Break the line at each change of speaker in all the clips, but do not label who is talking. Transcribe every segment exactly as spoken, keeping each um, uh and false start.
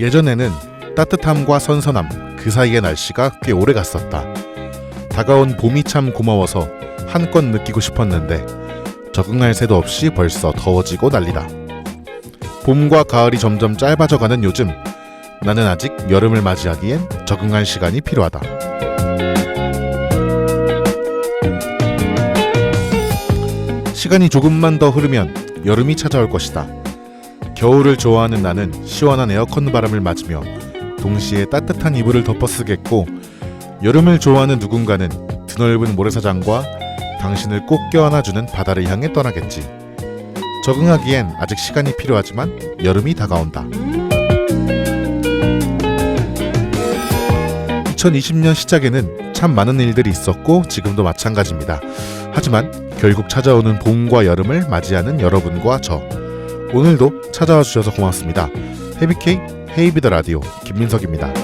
예전에는 따뜻함과 선선함 그 사이의 날씨가 꽤 오래 갔었다. 다가온 봄이 참 고마워서 한껏 느끼고 싶었는데 적응할 새도 없이 벌써 더워지고 난리다. 봄과 가을이 점점 짧아져가는 요즘 나는 아직 여름을 맞이하기엔 적응할 시간이 필요하다. 시간이 조금만 더 흐르면 여름이 찾아올 것이다. 겨울을 좋아하는 나는 시원한 에어컨 바람을 맞으며 동시에 따뜻한 이불을 덮어쓰겠고, 여름을 좋아하는 누군가는 드넓은 모래사장과 당신을 꼭 껴안아주는 바다를 향해 떠나겠지. 적응하기엔 아직 시간이 필요하지만 여름이 다가온다. 이천이십 년 시작에는 참 많은 일들이 있었고 지금도 마찬가지입니다. 하지만 결국 찾아오는 봄과 여름을 맞이하는 여러분과 저, 오늘도 찾아와 주셔서 고맙습니다. 헤비케이 헤이비더 라디오 김민석입니다.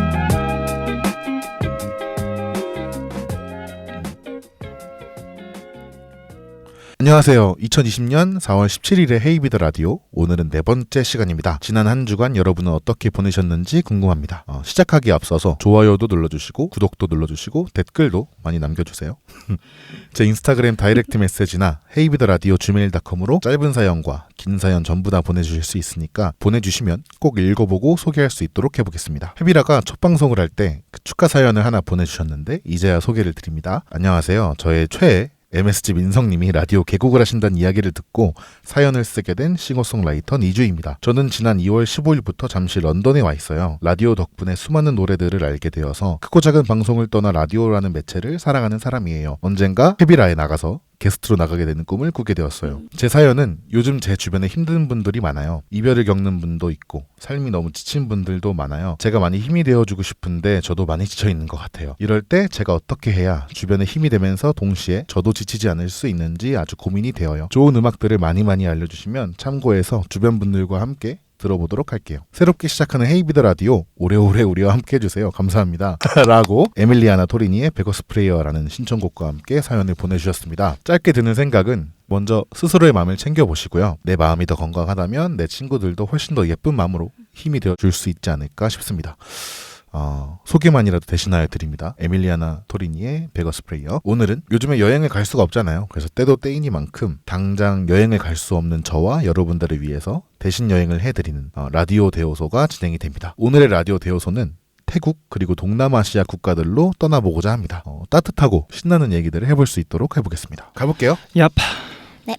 안녕하세요. 이천이십 년 사월 십칠일의 헤이비더 라디오, 오늘은 네 번째 시간입니다. 지난 한 주간 여러분은 어떻게 보내셨는지 궁금합니다. 어, 시작하기에 앞서서 좋아요도 눌러주시고 구독도 눌러주시고 댓글도 많이 남겨주세요. 제 인스타그램 다이렉트 메시지나 헤이비더 라디오 지메일 닷컴으로 짧은 사연과 긴 사연 전부 다 보내주실 수 있으니까 보내주시면 꼭 읽어보고 소개할 수 있도록 해보겠습니다. 헤비라가 첫 방송을 할 때 그 축하 사연을 하나 보내주셨는데 이제야 소개를 드립니다. 안녕하세요. 저의 최애 엠에스지 민성님이 라디오 개국을 하신다는 이야기를 듣고 사연을 쓰게 된 싱어송라이터 이주입니다. 저는 지난 이월 십오일부터 잠시 런던에 와 있어요. 라디오 덕분에 수많은 노래들을 알게 되어서 크고 작은 방송을 떠나 라디오라는 매체를 사랑하는 사람이에요. 언젠가 헤비라에 나가서 게스트로 나가게 되는 꿈을 꾸게 되었어요. 제 사연은 요즘 제 주변에 힘든 분들이 많아요. 이별을 겪는 분도 있고 삶이 너무 지친 분들도 많아요. 제가 많이 힘이 되어주고 싶은데 저도 많이 지쳐있는 것 같아요. 이럴 때 제가 어떻게 해야 주변에 힘이 되면서 동시에 저도 지치지 않을 수 있는지 아주 고민이 되어요. 좋은 음악들을 많이 많이 알려주시면 참고해서 주변 분들과 함께 들어보도록 할게요. 새롭게 시작하는 헤이비더 라디오 오래오래 우리와 함께 해주세요. 감사합니다. 라고 에밀리아나 토리니의 베거스프레이어라는 신청곡과 함께 사연을 보내주셨습니다. 짧게 드는 생각은 먼저 스스로의 마음을 챙겨보시고요. 내 마음이 더 건강하다면 내 친구들도 훨씬 더 예쁜 마음으로 힘이 되어줄 수 있지 않을까 싶습니다. 어, 소개만이라도 대신하여 드립니다. 에밀리아나 토리니의 베거스프레이어. 오늘은 요즘에 여행을 갈 수가 없잖아요. 그래서 때도 때이니만큼 당장 여행을 갈 수 없는 저와 여러분들을 위해서 대신 여행을 해드리는 어, 라디오 대요소가 진행이 됩니다. 오늘의 라디오 대요소는 태국 그리고 동남아시아 국가들로 떠나보고자 합니다. 어, 따뜻하고 신나는 얘기들을 해볼 수 있도록 해보겠습니다. 가볼게요.
얍.
네.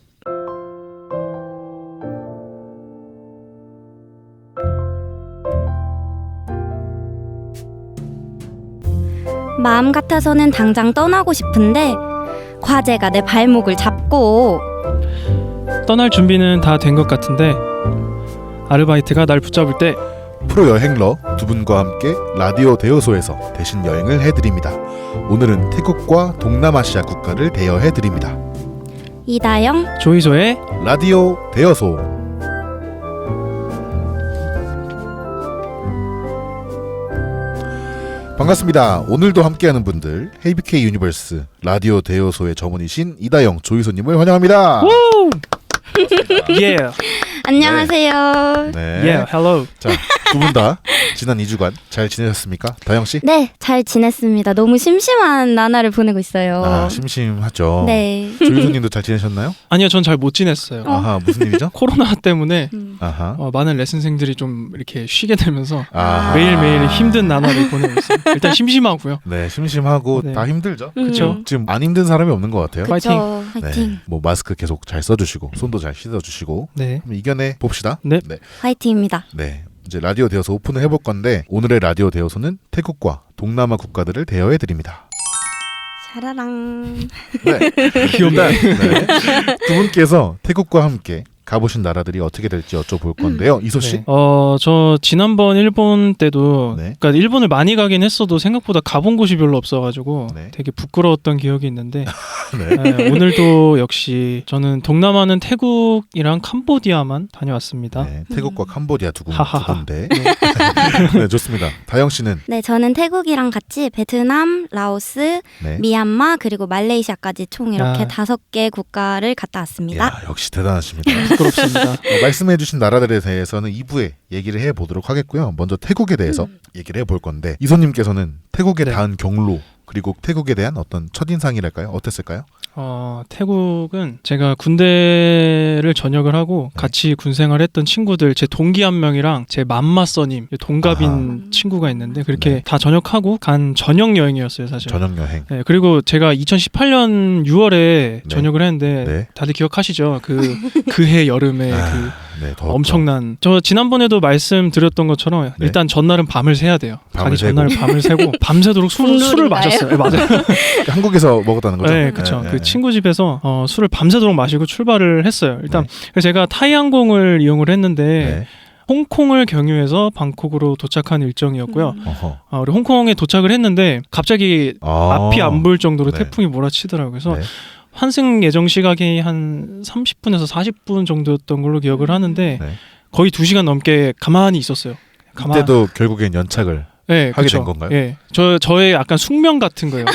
마음 같아서는 당장 떠나고 싶은데 과제가 내 발목을 잡고.
떠날 준비는 다 된 것 같은데 아르바이트가 날 붙잡을 때
프로 여행러 두 분과 함께 라디오 대여소에서 대신 여행을 해드립니다. 오늘은 태국과 동남아시아 국가를 대여해드립니다.
이다영
조이소의
라디오 대여소. 반갑습니다. 오늘도 함께하는 분들, 헤이비케이 유니버스 라디오 대여소의 점원이신 이다영 조이소님을 환영합니다.
예.
안녕하세요.
네.
예. 헬로.
자, 두 분 다 지난 이 주간 잘 지내셨습니까? 다영 씨?
네, 잘 지냈습니다. 너무 심심한 나날을 보내고 있어요.
아, 심심하죠.
네.
조이소님도 잘 지내셨나요?
아니요, 전 잘 못 지냈어요.
아하, 무슨 일이죠?
코로나 때문에
음.
아하.
어, 많은 레슨생들이 좀 이렇게 쉬게 되면서
아하.
매일매일 힘든 나날을 보내고 있어요. 일단 심심하고요.
네, 심심하고
네.
다 힘들죠.
그쵸.
음.
지금 안 힘든 사람이 없는 것 같아요.
파이팅.
그쵸. 화이팅.
네, 뭐 마스크 계속 잘 써주시고 손도 잘 씻어주시고
네.
한번 이겨내 봅시다.
네.
네.
화이팅입니다.
네. 이제 라디오 대여소 오픈을 해볼 건데 오늘의 라디오 대여소는 태국과 동남아 국가들을 대여해 드립니다.
샤라랑.
네.
귀엽다.
네. 두 분께서 태국과 함께 가보신 나라들이 어떻게 될지 여쭤볼 건데요. 이소 씨.
네. 어, 저 지난번 일본 때도
네.
그러니까 일본을 많이 가긴 했어도 생각보다 가본 곳이 별로 없어가지고
네.
되게 부끄러웠던 기억이 있는데
네.
네, 오늘도 역시 저는 동남아는 태국이랑 캄보디아만 다녀왔습니다.
네, 태국과 캄보디아 두 군- 두
하하하.
군데. 네, 좋습니다. 다영 씨는
네, 저는 태국이랑 같이 베트남, 라오스,
네.
미얀마 그리고 말레이시아까지 총 이렇게
야.
다섯 개 국가를 갔다 왔습니다.
야, 역시 대단하십니다.
부끄럽습니다.
어, 말씀해주신 나라들에 대해서는 이 부에 얘기를 해보도록 하겠고요. 먼저 태국에 대해서
음.
얘기를 해볼 건데 이소님께서는 태국에
네.
닿은 경로 그리고 태국에 대한 어떤 첫인상이랄까요? 어땠을까요?
어, 태국은 제가 군대를 전역을 하고
네.
같이 군생활했던 친구들 제 동기 한 명이랑 제 맘마써님 동갑인
아하.
친구가 있는데 그렇게
네.
다 전역하고 간 전역 여행이었어요 사실.
전역 여행.
네, 그리고 제가 이천십팔 년 유월에
네.
전역을 했는데
네.
다들 기억하시죠? 그 그해 여름에 그
아, 네, 더웠죠.
엄청난 저 지난번에도 말씀드렸던 것처럼
네.
일단 전날은 밤을 새야 돼요.
밤을
가기
새고.
전날 밤을 새고 밤새도록 술, 술을
국룰인가요?
마셨어요. 네, 맞아요.
한국에서 먹었다는 거죠?
네, 그렇죠.
네,
그
네.
친구 집에서 어, 술을 밤새도록 마시고 출발을 했어요. 일단
네.
그래서 제가 타이항공을 이용을 했는데
네.
홍콩을 경유해서 방콕으로 도착한 일정이었고요.
음.
어허.
어, 우리 홍콩에 도착을 했는데 갑자기
아.
앞이 안 보일 정도로
네.
태풍이 몰아치더라고요. 그래서
네.
환승 예정 시각이 한 삼십 분에서 사십 분 정도였던 걸로 기억을 하는데
네.
거의 두 시간 넘게 가만히 있었어요. 가만.
그때도 결국엔 연착을
네,
하게
그쵸.
된 건가요?
예, 저 저의 약간 숙명 같은 거예요.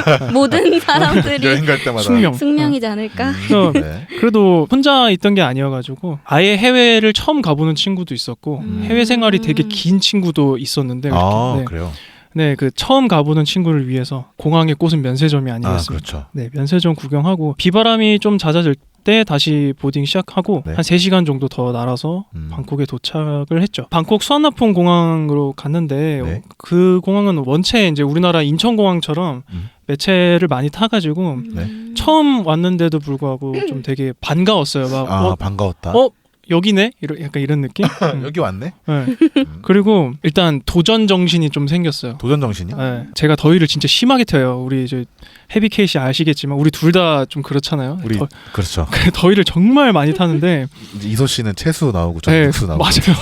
모든 사람들이
여행 갈 때마다
숙명.
숙명이지 않을까?
음,
그래서
네.
그래도 혼자 있던 게 아니어가지고 아예 해외를 처음 가보는 친구도 있었고
음.
해외 생활이 되게 긴 친구도 있었는데
아,
네,
그래요?
네, 그 처음 가보는 친구를 위해서 공항의 꽃은 면세점이
아,
아니겠습니까?
그렇죠.
네, 면세점 구경하고 비바람이 좀 잦아질 때 다시 보딩 시작하고
네.
한 세 시간 정도 더 날아서
음.
방콕에 도착을 했죠. 방콕 수완나폰 공항으로 갔는데
네.
그 공항은 원체 이제 우리나라 인천공항처럼
음.
매체를 많이 타가지고
네.
처음 왔는데도 불구하고 좀 되게 반가웠어요. 막
아,
어,
반가웠다.
어? 여기네? 이런 약간 이런 느낌? 음.
여기 왔네?
네.
음.
그리고 일단 도전 정신이 좀 생겼어요.
도전 정신이요?
네. 제가 더위를 진짜 심하게 태워요. 우리 이제 헤비케이 씨 아시겠지만 우리 둘 다 좀 그렇잖아요.
우리
더,
그렇죠.
더위를 정말 많이 타는데
이제 이소 씨는 채수 나오고 저는
네,
육수 나오고.
맞아요.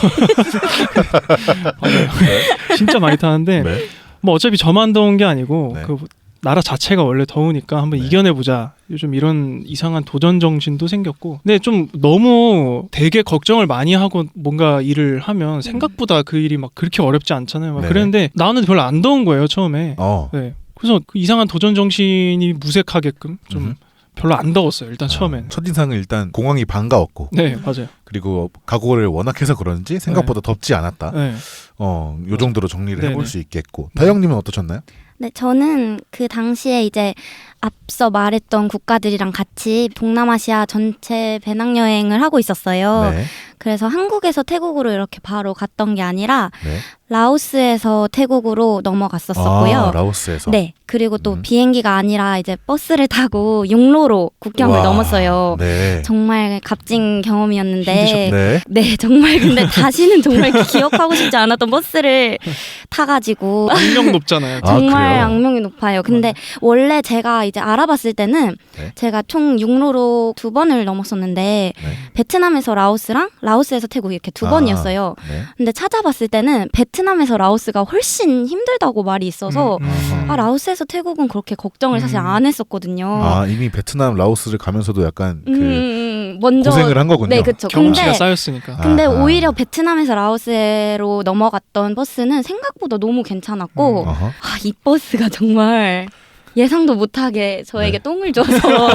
맞아요. 진짜 많이 타는데
네.
뭐 어차피 저만 더운 게 아니고
네.
그 나라 자체가 원래 더우니까 한번
네.
이겨내보자. 요즘 이런 이상한 도전 정신도 생겼고. 근데 좀 너무 되게 걱정을 많이 하고 뭔가 일을 하면 생각보다 그 일이 막 그렇게 어렵지 않잖아요. 막
네네.
그랬는데 나는 별로 안 더운 거예요 처음에.
어.
네. 그래서 그 이상한 도전 정신이 무색하게끔 좀
음흠.
별로 안 더웠어요. 일단 처음엔.
아, 첫인상은 일단 공항이 반가웠고
네, 맞아요.
그리고 각오를 워낙 해서 그런지 생각보다 덥지 않았다.
네.
어, 요 정도로 정리를
네네.
해볼 수 있겠고. 다영님은 어떠셨나요?
네, 저는 그 당시에 이제 앞서 말했던 국가들이랑 같이 동남아시아 전체 배낭여행을 하고 있었어요.
네.
그래서 한국에서 태국으로 이렇게 바로 갔던 게 아니라
네.
라오스에서 태국으로 넘어갔었었고요.
아, 라오스에서.
네, 그리고 또
음.
비행기가 아니라 이제 버스를 타고 육로로 국경을
와,
넘었어요.
네.
정말 값진 경험이었는데
힘드셨-
네.
네, 정말 근데 다시는 정말 기억하고 싶지 않았던 버스를 타가지고
악명 높잖아요.
아,
정말
그래요?
악명이 높아요. 근데 원래 제가 이제 알아봤을 때는
네.
제가 총 육로로 두 번을 넘었었는데
네.
베트남에서 라오스랑 라오스에서 태국 이렇게 두
아,
번이었어요.
네.
근데 찾아봤을 때는 베트남에서 라오스가 훨씬 힘들다고 말이 있어서
음, 음.
아 라오스에서 태국은 그렇게 걱정을 사실
음.
안 했었거든요.
아, 이미 베트남, 라오스를 가면서도 약간 그
음, 음, 먼저
고생을 한 거군요.
네, 그렇죠.
경험치가
근데
쌓였으니까.
근데
아하.
오히려 베트남에서 라오스로 넘어갔던 버스는 생각보다 너무 괜찮았고
음.
어허.
아, 이 버스가 정말 예상도 못하게 저에게
네.
똥을 줘서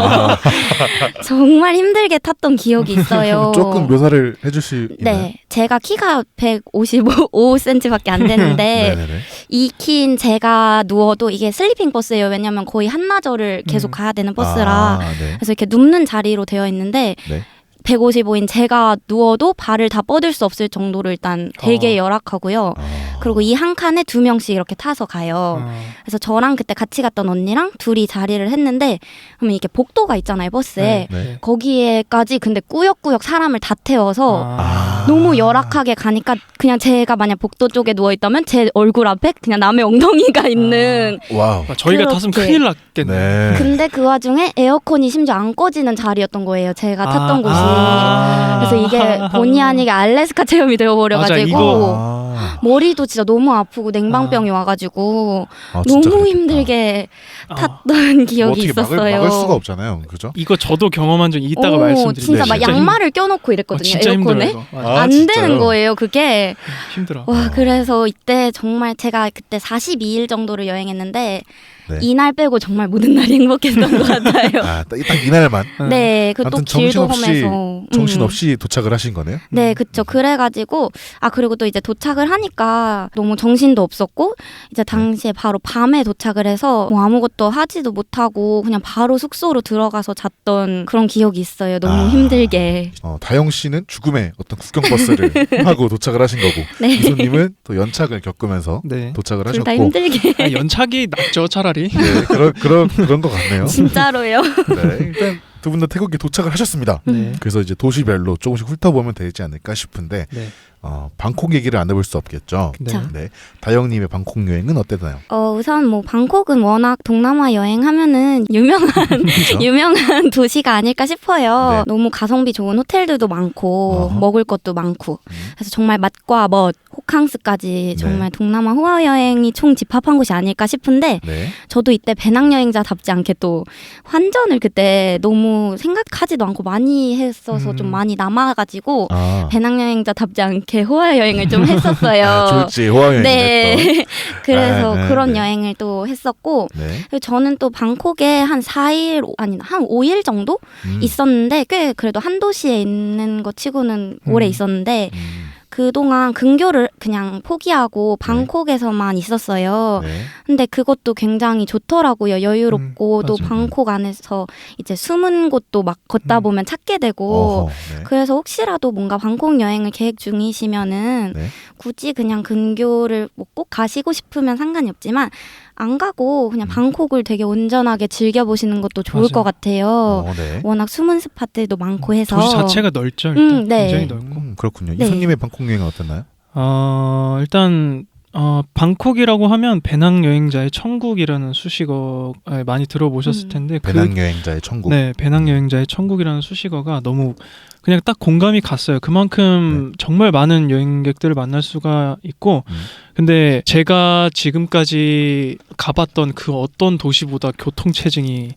정말 힘들게 탔던 기억이 있어요.
조금 묘사를 해줄 수 있나요?
네, 제가 키가 백오십오 센티미터밖에 안 되는데
네네네.
이 키인 제가 누워도 이게 슬리핑 버스예요. 왜냐면 거의 한나절을 계속
음.
가야 되는 버스라
아, 네.
그래서 이렇게 눕는 자리로 되어 있는데
네.
백오십오인 제가 누워도 발을 다 뻗을 수 없을 정도로 일단 되게
어.
열악하고요.
아.
그리고 이 한 칸에 두 명씩 이렇게 타서 가요.
어.
그래서 저랑 그때 같이 갔던 언니랑 둘이 자리를 했는데 그러면 이게 복도가 있잖아요, 버스에.
네.
거기에까지 근데 꾸역꾸역 사람을 다 태워서
아.
너무 열악하게 가니까 그냥 제가 만약 복도 쪽에 누워 있다면 제 얼굴 앞에 그냥 남의 엉덩이가 있는
와우.
아, 저희가
그렇게.
탔으면 큰일 났겠네.
네.
근데 그 와중에 에어컨이 심지어 안 꺼지는 자리였던 거예요. 제가 탔던
아.
곳이.
아.
그래서 이게 본의 아니게 알래스카 체험이
맞아,
되어버려가지고
이거
아. 아,
머리도 진짜 너무 아프고 냉방병이 와가지고
아, 진짜
너무
그랬겠다.
힘들게
아,
탔던
뭐
기억이
어떻게
있었어요.
막을, 막을 수가 없잖아요, 그죠?
이거 저도 경험한 적 이따가
오,
말씀드릴게요.
진짜 막
진짜
양말을 껴놓고
어,
이랬거든요.
진짜 힘들어요.
에어컨에.
이거. 맞아.
아,
안
진짜요?
되는 거예요, 그게.
힘들어.
와,
어.
그래서 이때 정말 제가 그때 사십이 일 정도를 여행했는데
네.
이날 빼고 정말 모든 날이 행복했던 것 같아요.
아, 딱, 딱 이날만
네, 그 또
아무튼
길도
정신없이-
험해서.
정신없이 도착을 하신 거네요?
네, 그쵸. 그래가지고, 아, 그리고 또 이제 도착을 하니까 너무 정신도 없었고, 이제 당시에 바로 밤에 도착을 해서 뭐 아무것도 하지도 못하고 그냥 바로 숙소로 들어가서 잤던 그런 기억이 있어요. 너무
아.
힘들게.
어, 다영 씨는 죽음의 어떤 국경버스를 하고 도착을 하신 거고
네.
이소님은 또 연착을 겪으면서
네.
도착을
둘 다
하셨고
힘들게.
아, 연착이 낫죠 차라리.
네, 그런 그런 그런 것 같네요.
진짜로요.
네, 일단 두 분 다 태국에 도착을 하셨습니다.
네.
그래서 이제 도시별로 조금씩 훑어보면 되지 않을까 싶은데
네.
어, 방콕 얘기를 안 해볼 수 없겠죠.
네.
자.
네, 다영님의 방콕 여행은 어땠나요?
어, 우선 뭐 방콕은 워낙 동남아 여행하면은 유명한
그죠?
유명한 도시가 아닐까 싶어요.
네.
너무 가성비 좋은 호텔들도 많고
어허.
먹을 것도 많고
음.
그래서 정말 맛과 멋, 호캉스까지 정말 동남아 호화 여행이 총 집합한 곳이 아닐까 싶은데
네,
저도 이때 배낭여행자답지 않게 또 환전을 그때 너무 생각하지도 않고 많이 했어서
음.
좀 많이 남아가지고
아,
배낭여행자답지 않게 호화 여행을 좀 했었어요.
아 졸지 호화여행
네.
됐던.
그래서
네, 네,
그런
네.
여행을 또 했었고
네,
그리고 저는 또 방콕에 한 사 일 아니 한 오 일 정도
음,
있었는데 꽤 그래도 한 도시에 있는 것 치고는 오래
음.
있었는데
음,
그동안 근교를 그냥 포기하고 방콕에서만 있었어요.
네,
근데 그것도 굉장히 좋더라고요. 여유롭고
음,
또
맞아요.
방콕 안에서 이제 숨은 곳도 막 걷다
음.
보면 찾게 되고
어허, 네.
그래서 혹시라도 뭔가 방콕 여행을 계획 중이시면은
네.
굳이 그냥 근교를 뭐 꼭 가시고 싶으면 상관이 없지만 안 가고 그냥
음.
방콕을 되게 온전하게 즐겨보시는 것도 좋을
맞아요.
것 같아요.
어, 네.
워낙 숨은 스팟들도 많고 해서
도시 자체가 넓죠. 일단.
음, 네.
굉장히 넓고.
음, 그렇군요.
네.
이소님의 방콕 여행은 어땠나요?
어, 일단 어, 방콕이라고 하면 배낭여행자의 천국이라는 수식어 에, 많이 들어보셨을
음.
텐데
배낭여행자의 천국.
네, 배낭여행자의 천국이라는 수식어가 너무 그냥 딱 공감이 갔어요. 그만큼 정말 많은 여행객들을 만날 수가 있고
음.
근데 제가 지금까지 가봤던 그 어떤 도시보다 교통체증이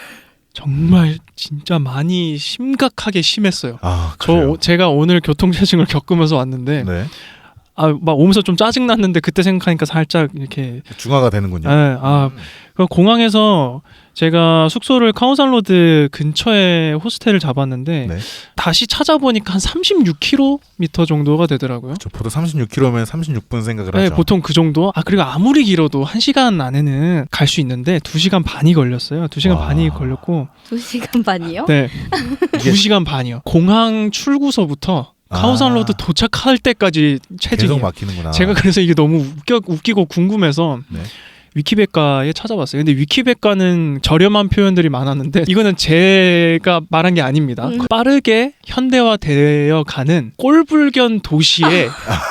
정말 진짜 많이 심각하게 심했어요.
아,
저
그래요?
오- 제가 오늘 교통체증을 겪으면서 왔는데
네.
아, 막 오면서 좀 짜증 났는데 그때 생각하니까 살짝 이렇게
중화가 되는군요.
네, 아,
음.
그 공항에서 제가 숙소를 카오산로드 근처에 호스텔을 잡았는데
네.
다시 찾아보니까 한 삼십육 킬로미터 정도가 되더라고요.
저 보통 삼십육 킬로미터면 삼십육 분 생각을
네,
하죠.
보통 그 정도. 아, 그리고 아무리 길어도 한 시간 안에는 갈 수 있는데 두 시간 반이 걸렸어요. 두 시간
와.
반이 걸렸고,
두 시간 반이요?
네,
이게-
두 시간 반이요. 공항 출구서부터 카오산로드
아.
도착할 때까지
계속
체증이에요.
막히는구나.
제가 그래서 이게 너무 웃겨, 웃기고 궁금해서
네.
위키백과에 찾아봤어요. 근데 위키백과는 저렴한 표현들이 많았는데 이거는 제가 말한 게 아닙니다.
음.
빠르게 현대화되어 가는 꼴불견 도시의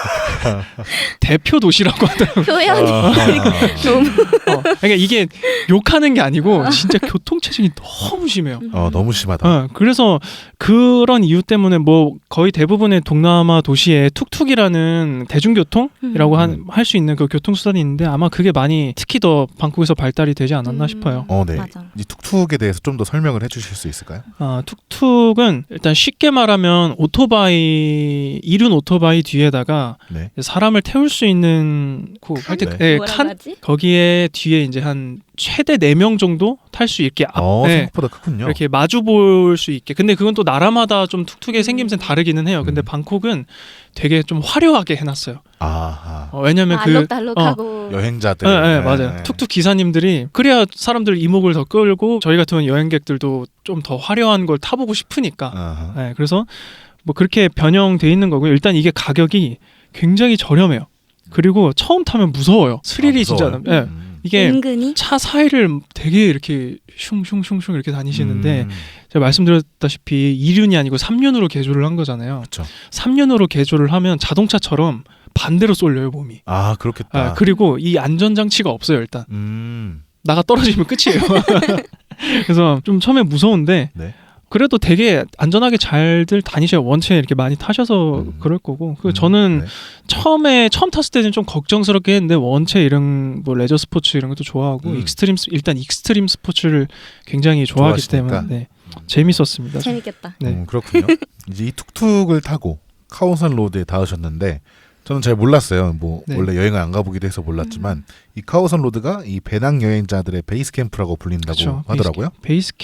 대표 도시라고 하더라고요.
표현이
아.
너무
어, 그러니까 이게 욕하는 게 아니고 진짜 교통체증이 너무 심해요.
어, 너무 심하다.
어, 그래서 그런 이유 때문에 뭐 거의 대부분의 동남아 도시에 툭툭이라는 대중교통이라고
음.
할 수 있는 그 교통수단이 있는데 아마 그게 많이 특히 더 방콕에서 발달이 되지 않았나
음.
싶어요.
어, 네.
맞아.
이 툭툭에 대해서 좀 더 설명을 해주실 수 있을까요?
아, 툭툭은 일단 쉽게 말하면 오토바이 이륜 오토바이 뒤에다가
네.
사람을 태울 수 있는 그 하여튼
네.
네,
뭐라고
칸
하지?
거기에 뒤에 이제 한 최대 네 명 정도 탈 수 있게 앞
어,
네,
생각보다 크군요.
이렇게 마주 볼 수 있게. 근데 그건 또 나라마다 좀 툭툭의
음.
생김새는 다르기는 해요. 근데
음.
방콕은 되게 좀 화려하게 해놨어요.
아하.
어, 왜냐면
아,
그
알록달록하고
여행자들.
네, 네, 맞아요. 툭툭 기사님들이 그래야 사람들 이목을 더 끌고 저희 같은 여행객들도 좀 더 화려한 걸 타보고 싶으니까.
아하.
네, 그래서 뭐 그렇게 변형돼 있는 거고요. 일단 이게 가격이 굉장히 저렴해요. 그리고 처음 타면 무서워요. 스릴이
아,
진짜.
무서워요?
예.
음.
이게
은근히
차 사이를 되게 이렇게 슝슝슝슝 이렇게 다니시는데
음.
제가 말씀드렸다시피 이 륜이 아니고 삼 륜으로 개조를 한 거잖아요.
그렇죠.
삼 륜으로 개조를 하면 자동차처럼 반대로 쏠려요 몸이.
아, 그렇겠다.
아, 그리고 이 안전장치가 없어요 일단.
음.
나가 떨어지면 끝이에요. 그래서 좀 처음에 무서운데
네.
그래도 되게 안전하게 잘들 다니셔요. 원체 이렇게 많이 타셔서
음.
그럴 거고. 그
음,
저는
네.
처음에 처음 탔을 때는 좀 걱정스럽게 했는데 원체 이런 뭐 레저 스포츠 이런 것도 좋아하고
음.
익스트림 스- 일단 익스트림 스포츠를 굉장히 좋아하기
좋아하시니까.
때문에 네. 재밌었습니다.
재밌겠다.
네.
음, 그렇군요. 이제 이 툭툭을 타고 카오산 로드에 닿으셨는데 저는 잘 몰랐어요. 뭐
네.
원래 여행을 안 가보기도 해서 몰랐지만 이 카오산 로드가 이 배낭 여행자들의 베이스 캠프라고 불린다고
그쵸.
하더라고요.
베이스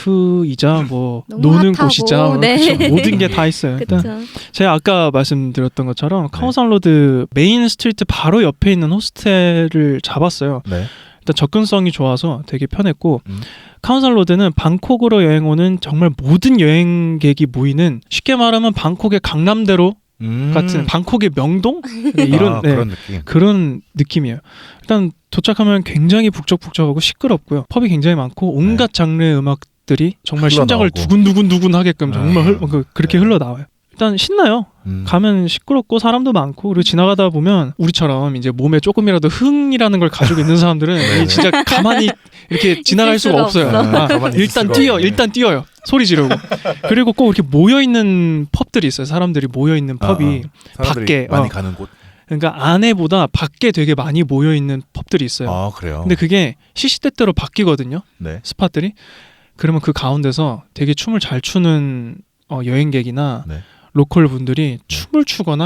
캠프이자 뭐
너무
노는
핫하고,
곳이자 뭐
네.
그쵸. 모든 게 다 있어요. 일단
그렇죠.
제가 아까 말씀드렸던 것처럼
네.
카오산 로드 메인 스트리트 바로 옆에 있는 호스텔을 잡았어요.
네.
일단 접근성이 좋아서 되게 편했고
음.
카오산 로드는 방콕으로 여행 오는 정말 모든 여행객이 모이는 쉽게 말하면 방콕의 강남대로
음.
같은 방콕의 명동 네, 이런
아,
네,
그런 느낌.
그런 느낌이에요. 일단 도착하면 굉장히 북적북적하고 시끄럽고요. 펍이 굉장히 많고 온갖
네.
장르의 음악들이 정말 심장을
흘러나오고.
두근두근두근 하게끔 정말
아,
흘, 그- 그렇게
네.
흘러나와요. 일단 신나요.
음.
가면 시끄럽고 사람도 많고 그리고 지나가다 보면 우리처럼 이제 몸에 조금이라도 흥이라는 걸 가지고 있는 사람들은
네.
이 진짜 가만히 이렇게 지나갈
있을
수가
수가
없어요.
없어.
아,
가만히 있을
일단
수가
뛰어,
없네.
일단 뛰어요. 소리 지르고. 그리고 꼭 이렇게 모여 있는 펍들이 있어요. 사람들이 모여 있는
아,
펍이
아. 사람들이
밖에,
많이
어.
가는 곳.
그러니까 안에보다 밖에 되게 많이 모여 있는 펍들이 있어요.
아 그래요.
근데 그게 시시때때로 바뀌거든요.
네.
스팟들이. 그러면 그 가운데서 되게 춤을 잘 추는 어, 여행객이나
네.
로컬 분들이 춤을 추거나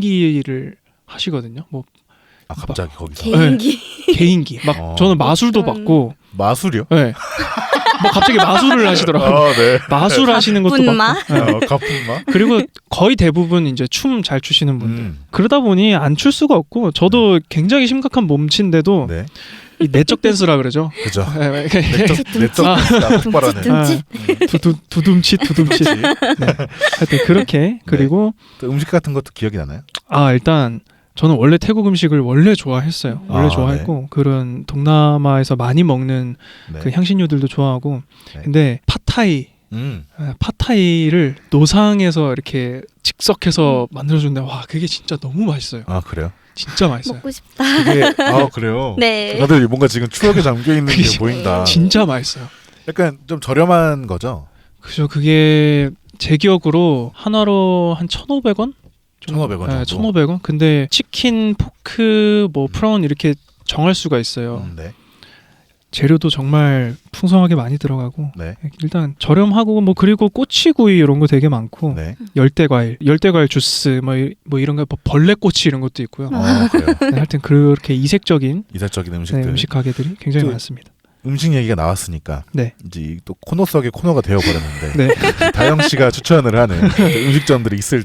개인기를 하시거든요. 뭐
아 갑자기 거기서
개인기.
개인기. 막
어.
저는 마술도
그런-
받고,
마술이요?
네. 뭐 갑자기 마술을 하시더라고요.
아 네.
마술 하시는 것도
분마?
받고. 네.
어, 가품마.
그리고 거의 대부분 이제 춤 잘 추시는 분들.
음.
그러다 보니 안 출 수가 없고 저도 굉장히 심각한 몸치인데도
네.
이 내적 댄스라 그러죠.
그죠.
네,
내적 내적
아.
폭발하는.
둠칫.
두두 두둠칫 두둠칫. 네. 하여튼 그렇게 그리고
또 음식 같은 것도 기억이 나나요?
아 일단 저는 원래 태국 음식을 원래 좋아했어요. 원래
아,
좋아했고 그런 동남아에서 많이 먹는
네.
그 향신료들도 좋아하고
네.
근데 팟타이
음.
아, 팟타이를 노상에서 이렇게 즉석해서 만들어준데 와 그게 진짜 너무 맛있어요.
아 그래요?
진짜 맛있어요.
먹고 싶다.
그게 아 그래요?
네.
다들 뭔가 지금 추억에 잠겨 있는 게
그게
보인다.
진짜 맛있어요.
약간 좀 저렴한 거죠?
그죠. 그게 제 기억으로 하나로 한 천오백 원?
천오백 원 정도?
네, 천오백 원. 근데 치킨, 포크, 뭐 프라운 이렇게 정할 수가 있어요.
음, 네.
재료도 정말 풍성하게 많이 들어가고
네.
일단 저렴하고 뭐 그리고 꼬치구이 이런 거 되게 많고
네.
열대과일, 열대과일 주스 뭐, 이- 뭐 이런 거 뭐 벌레꼬치 이런 것도 있고요.
어 그래요.
네, 하여튼 그렇게 이색적인
이색적인
네,
음식들.
음식 가게들이 굉장히
또-
많습니다.
음식 얘기가 나왔으니까
네.
이제 또 코너 속의 코너가 되어버렸는데
네.
다영 씨가 추천을 하는 그 음식점들이 있을지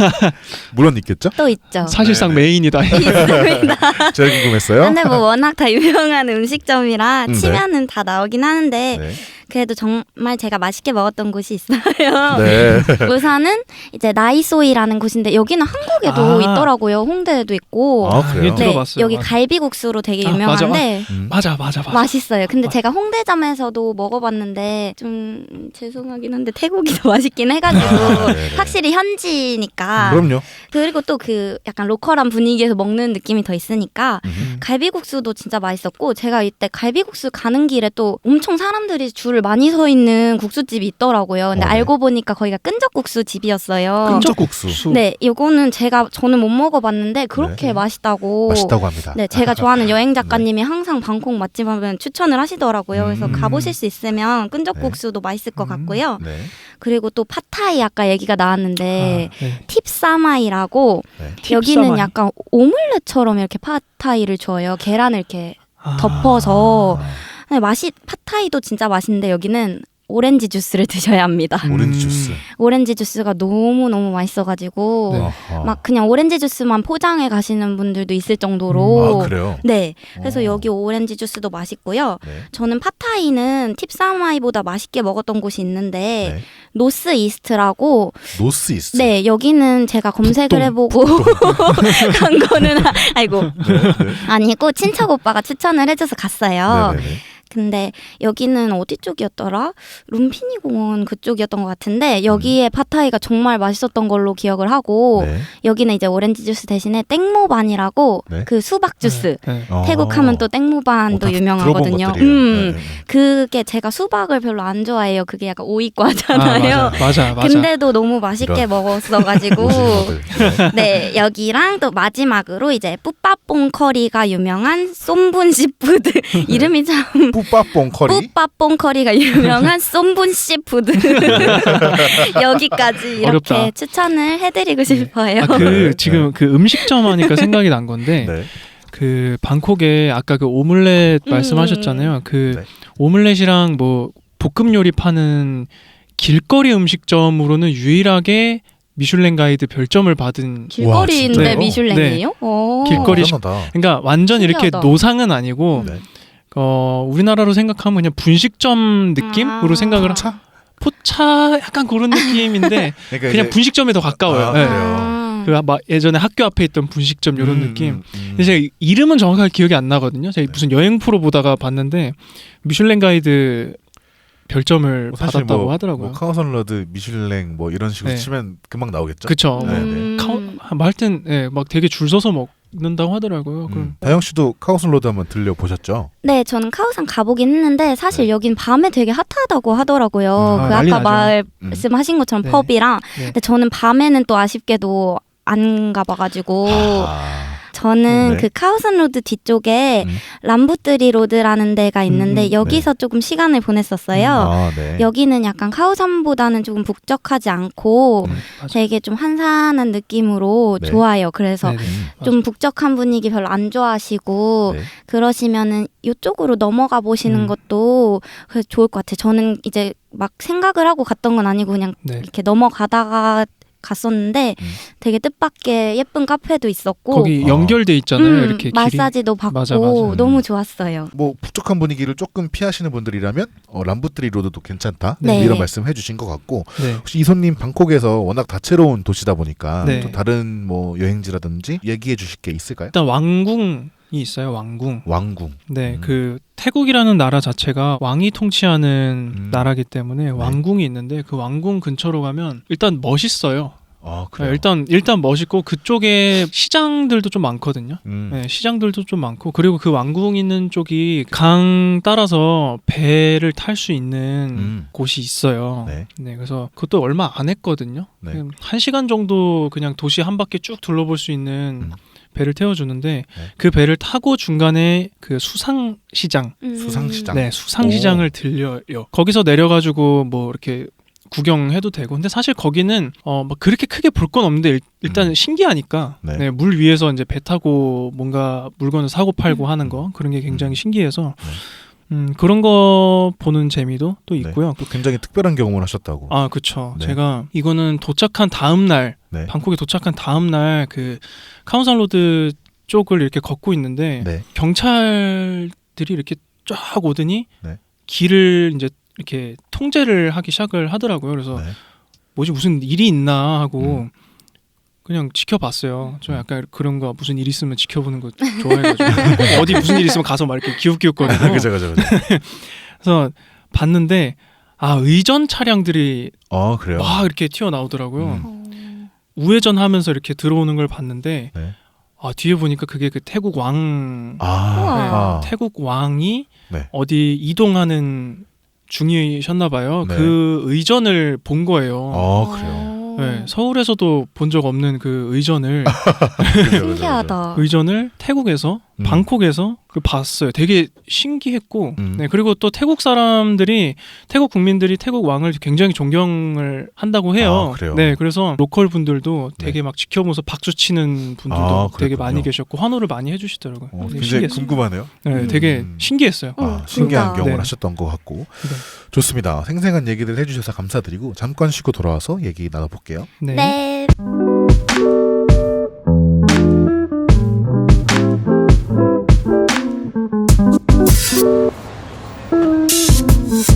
물론 있겠죠?
또 있죠.
사실상
네, 네.
메인이다.
있습니다.
제가 궁금했어요.
근데 뭐 워낙 다 유명한 음식점이라
음, 네.
치면은 다 나오긴 하는데
네.
그래도 정말 제가 맛있게 먹었던 곳이 있어요.
네.
우선은 이제 나이소이라는 곳인데 여기는 한국에도
아.
있더라고요. 홍대에도 있고.
아 그래요?
이게 들어봤어요.
여기
맞아.
갈비국수로 되게
아, 맞아,
유명한데
음.
맞아, 맞아, 맞아.
맛있어요. 근데
맞아.
제가 홍대점에서도 먹어봤는데 좀 죄송하긴 한데 태국이 더 맛있긴 해가지고
아, 네네.
확실히 현지니까.
그럼요.
그리고 또 그 약간 로컬한 분위기에서 먹는 느낌이 더 있으니까
음.
갈비국수도 진짜 맛있었고 제가 이때 갈비국수 가는 길에 또 엄청 사람들이 줄을 많이 서 있는 국수집이 있더라고요. 근데
어, 네.
알고 보니까 거기가 끈적국수 집이었어요.
끈적국수.
네, 이거는 제가 저는 못 먹어봤는데 그렇게
네.
맛있다고.
맛있다고 합니다.
네, 제가 좋아하는 여행 작가님이 항상 방콕 맛집 하면 추천을 하시더라고요. 그래서
음.
가보실 수 있으면 끈적국수도 맛있을 것
음.
같고요.
네.
그리고 또 팟타이 아까 얘기가 나왔는데
아, 네.
팁사마이라고
네.
여기는
팁사마이.
약간 오믈렛처럼 이렇게 팟타이를 줘요. 계란을 이렇게
아.
덮어서.
아,
근데 맛이 팟타이도 진짜 맛있는데 여기는 오렌지 주스를 드셔야 합니다.
음.
오렌지 주스.
오렌지 주스가 너무 너무 맛있어가지고
네.
어허.
막 그냥 오렌지 주스만 포장해 가시는 분들도 있을 정도로.
아 그래요?
네, 그래서
어.
여기 오렌지 주스도 맛있고요.
네.
저는 팟타이는 팁사마이보다 맛있게 먹었던 곳이 있는데
네.
노스 이스트라고.
노스 이스트.
네, 여기는 제가 검색을
북동,
해보고 간 거는 아- 아이고
네. 네.
아니고 친척 오빠가 추천을 해줘서 갔어요.
네네네.
근데 여기는 어디 쪽이었더라? 룸피니 공원 그쪽이었던 것 같은데 여기에 팟타이가 정말 맛있었던 걸로 기억을 하고
네.
여기는 이제 오렌지 주스 대신에 땡모반이라고
네.
그 수박 주스
네. 네.
어.
태국 하면 또 땡모반도
어, 다
유명하거든요.
들어본 것들이에요.
음,
네, 네, 네.
그게 제가 수박을 별로 안 좋아해요. 그게 약간 오이과잖아요.
아, 맞아, 맞아, 맞아.
근데도 너무 맛있게
이런.
먹었어가지고
오시는 분들. 네.
네 여기랑 또 마지막으로 이제 뿌빠뽕 커리가 유명한 쏨분 씨푸드 이름이 참
뿌빠뽕 커리.
뿌빠뽕 커리가 유명한 쏨분 씨푸드 여기까지 이렇게
어렵다.
추천을 해드리고 싶어요.
아, 그
네.
지금 그 음식점 하니까 생각이 난 건데
네.
그 방콕에 아까 그 오믈렛
음.
말씀하셨잖아요. 그
네.
오믈렛이랑 뭐 볶음 요리 파는 길거리 음식점으로는 유일하게 미슐랭 가이드 별점을 받은
길거리인데
진짜요?
미슐랭이에요? 오.
길거리
어, 대단하다.
그러니까 완전 이렇게
신기하다.
노상은 아니고
네.
어 우리나라로 생각하면 그냥 분식점 느낌으로
아.
생각을 하-
차?
포차 약간 그런 느낌인데
그러니까
그냥
이제-
분식점에 더 가까워요.
아,
네.
아.
그 막 예전에 학교 앞에 있던 분식점 이런
음,
느낌.
음, 음.
근데 제가 이름은 정확하게 기억이 안 나거든요. 제가 무슨 여행 프로 보다가 봤는데 미슐랭 가이드 별점을
뭐 사실
받았다고
뭐,
하더라고요.
뭐 카오선러드, 미슐랭 뭐 이런 식으로
네.
치면 금방 나오겠죠.
그쵸.
네, 네.
음.
카오, 뭐 하여튼 예, 막 되게 줄 서서 먹는다고 하더라고요. 그럼
음. 다영 씨도 카오선로드 한번 들려 보셨죠?
네, 저는 카오산 가보긴 했는데 사실
네.
여긴 밤에 되게 핫하다고 하더라고요.
음,
그
아, 난리
아까
나죠.
말씀하신 것처럼
네.
펍이랑.
네.
근데 저는 밤에는 또 아쉽게도 안 가봐가지고
아,
저는
네.
그 카오산 로드 뒤쪽에
음.
람부뜨리 로드라는 데가 있는데
음,
여기서 조금 시간을 보냈었어요.
아, 네.
여기는 약간 카오산보다는 조금 북적하지 않고
음.
맞아.
되게 좀 한산한 느낌으로
네.
좋아요. 그래서
네네.
음.
좀 북적한 분위기 별로 안 좋아하시고
네.
그러시면은 이쪽으로 넘어가 보시는
음.
것도 그래서 좋을 것 같아요. 저는 이제 막 생각을 하고 갔던 건 아니고 그냥
네.
이렇게 넘어가다가 갔었는데
음.
되게 뜻밖의 예쁜 카페도 있었고
거기
어.
연결돼 있잖아요.
음,
이렇게 길이.
마사지도 받고
맞아, 맞아.
너무 좋았어요.
뭐 북적한 분위기를 조금 피하시는 분들이라면 어, 람부트리 로드도 괜찮다
네.
이런 말씀 해주신 것 같고
네.
혹시 이손님 방콕에서 워낙 다채로운 도시다 보니까
네.
또 다른 뭐 여행지라든지 얘기해 주실 게 있을까요?
일단 왕궁이 있어요. 왕궁.
왕궁.
네,
음.
그 태국이라는 나라 자체가 왕이 통치하는
음.
나라기 때문에 왕궁이 있는데 그 왕궁 근처로 가면 일단 멋있어요.
아
네,
그래요.
일단 일단 멋있고 그쪽에 시장들도 좀 많거든요.
음.
네, 시장들도 좀 많고 그리고 그 왕궁 있는 쪽이 강 따라서 배를 탈 수 있는
음.
곳이 있어요.
네.
네, 그래서 그것도 얼마 안 했거든요.
네.
그냥 한 시간 정도 그냥 도시 한 바퀴 쭉 둘러볼 수 있는
음.
배를 태워주는데
네.
그 배를 타고 중간에 그 수상시장,
음.
수상시장.
네, 수상시장을 들려요. 거기서 내려가지고 뭐 이렇게 구경해도 되고. 근데 사실 거기는 어 막 그렇게 크게 볼 건 없는데 일, 일단
음.
신기하니까
네.
네, 물 위에서 이제 배 타고 뭔가 물건을 사고 팔고
음.
하는 거 그런 게 굉장히
음.
신기해서
네.
음, 그런 거 보는 재미도 또
네.
있고요.
또 굉장히 특별한 경험을 하셨다고.
아, 그쵸.
네.
제가 이거는 도착한 다음 날,
네.
방콕에 도착한 다음 날 그 카운산 로드 쪽을 이렇게 걷고 있는데
네.
경찰들이 이렇게 쫙 오더니
네.
길을 이제 이렇게 통제를 하기 시작을 하더라고요. 그래서
네.
뭐지 무슨 일이 있나 하고
음.
그냥 지켜봤어요. 저
음.
약간 그런 거 무슨 일 있으면 지켜보는 거 좋아해가지고 꼭 어디 무슨 일 있으면 가서 막 이렇게 기웃기웃거리고
그죠 그죠 그죠.
그래서 봤는데 아 의전 차량들이
아 그래요.
막 이렇게 튀어나오더라고요.
음.
어.
우회전하면서 이렇게 들어오는 걸 봤는데
네.
아 뒤에 보니까 그게 그 태국 왕
아,
우와.
아.
태국 왕이
네.
어디 이동하는 중이셨나 봐요.
네.
그 의전을 본 거예요.
아 그래요.
네, 서울에서도 본 적 없는 그 의전을
그죠, 그죠, 그죠.
신기하다.
의전을 태국에서
음.
방콕에서 그 봤어요. 되게 신기했고,
음.
네 그리고 또 태국 사람들이 태국 국민들이 태국 왕을 굉장히 존경을 한다고 해요.
아, 그래요?
네, 그래서 로컬 분들도 되게
네.
막 지켜보면서 박수 치는 분들도
아,
되게
그랬군요.
많이 계셨고 환호를 많이 해주시더라고요.
어,
되게
굉장히
신기했어요.
궁금하네요.
네,
음.
되게 신기했어요.
음.
아, 신기한
진짜.
경험을
네.
하셨던 것 같고
네.
좋습니다. 생생한 얘기들 해주셔서 감사드리고 잠깐 쉬고 돌아와서 얘기 나눠볼게요.
네.
네.